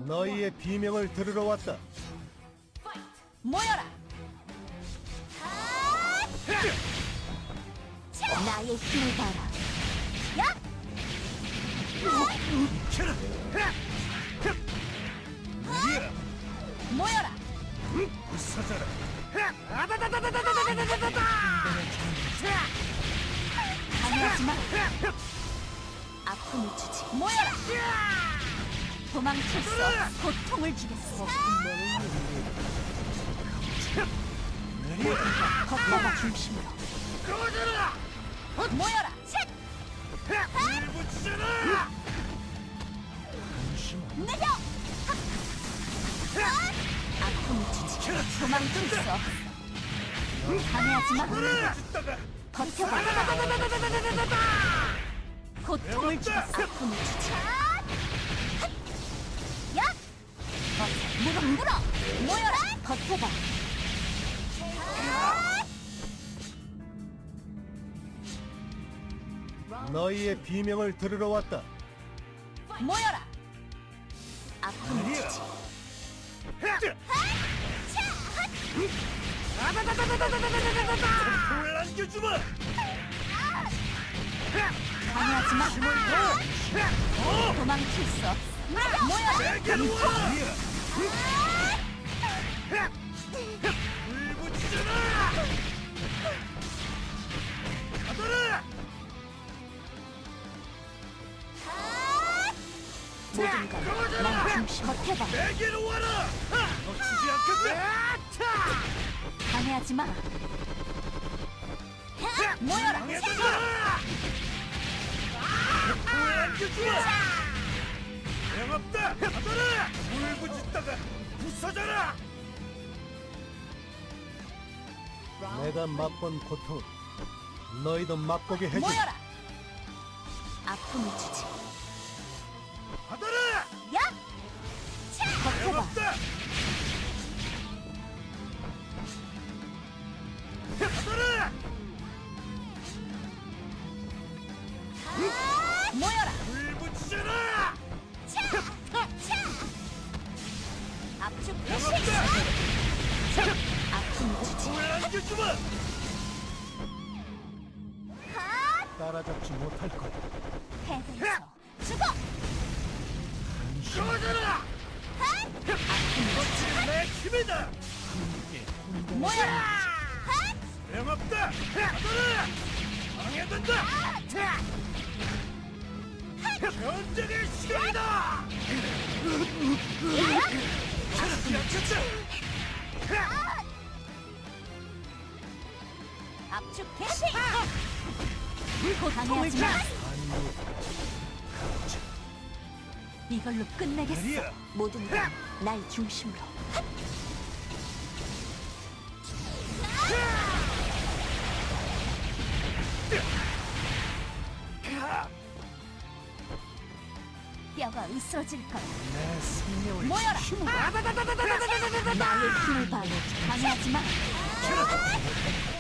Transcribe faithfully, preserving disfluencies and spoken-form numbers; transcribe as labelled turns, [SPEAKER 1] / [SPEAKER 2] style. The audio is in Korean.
[SPEAKER 1] 너희의 비명을 들으러 왔다.
[SPEAKER 2] 모여라. 나의 힘을 봐라. 야! 모여라.
[SPEAKER 1] 부서져라.
[SPEAKER 2] 방해하지 마. 아픔을 주지. 모여라. 도망칠 수 없어. 고통을 주겠어. 모든 것 걷다가 중심으로. 모여라. 셋. 내려. 아픔을 주지. 도망칠 수 없어. 방해하지 마. 버텨봐. 고통을 주겠어. 아픔을 주지. 야! 어서 무릎 물어. 모여라. 버텨봐.
[SPEAKER 1] 너희의 비명을 들으러 왔다.
[SPEAKER 2] 모여라. 아픔을 주지.
[SPEAKER 1] 돌 안겨주마.
[SPEAKER 2] 방해하지 마. 도망칠 수 없어. 모여라.
[SPEAKER 1] 불붙이잖아. 가더라.
[SPEAKER 2] 모든 걸난 중심. 버텨봐.
[SPEAKER 1] 내게로 와라. 놓치지 않겠다.
[SPEAKER 2] 방해하지 마. 모여라.
[SPEAKER 1] 방해된다. 돌 안겨주마. 소용없다. 가더라. 불붙이다가 부서져라. 내가 맛본 고통을 너희도 맛보게 해줘.
[SPEAKER 2] 모여라. 아픔을 주지.
[SPEAKER 1] 가더라.
[SPEAKER 2] 야! 버텨봐.
[SPEAKER 1] 소용없다. 가더라.
[SPEAKER 2] 모여라.
[SPEAKER 1] 불붙이잖아.
[SPEAKER 2] 압축
[SPEAKER 1] 소용없다.
[SPEAKER 2] 아픔을 주지.
[SPEAKER 1] 돌 안겨주마. 따라잡지 못할 거야.
[SPEAKER 2] 패배에서 죽어.
[SPEAKER 1] 꺼져라.
[SPEAKER 2] 아픔을
[SPEAKER 1] 내 힘이다.
[SPEAKER 2] 주지. 모여라.
[SPEAKER 1] 소용없다. 가더라. 방해된다. 전쟁의 시간이다. 찾지 않겠다.
[SPEAKER 2] 압축 개시. 고통하지 마. 이걸로 끝내겠어.
[SPEAKER 1] 아니야.
[SPEAKER 2] 모든 건 날 중심으로. 뼈가 으스러질 거야.
[SPEAKER 1] 내 생명을
[SPEAKER 2] 모여라. 나의 힘을 봐. 방해하지 마.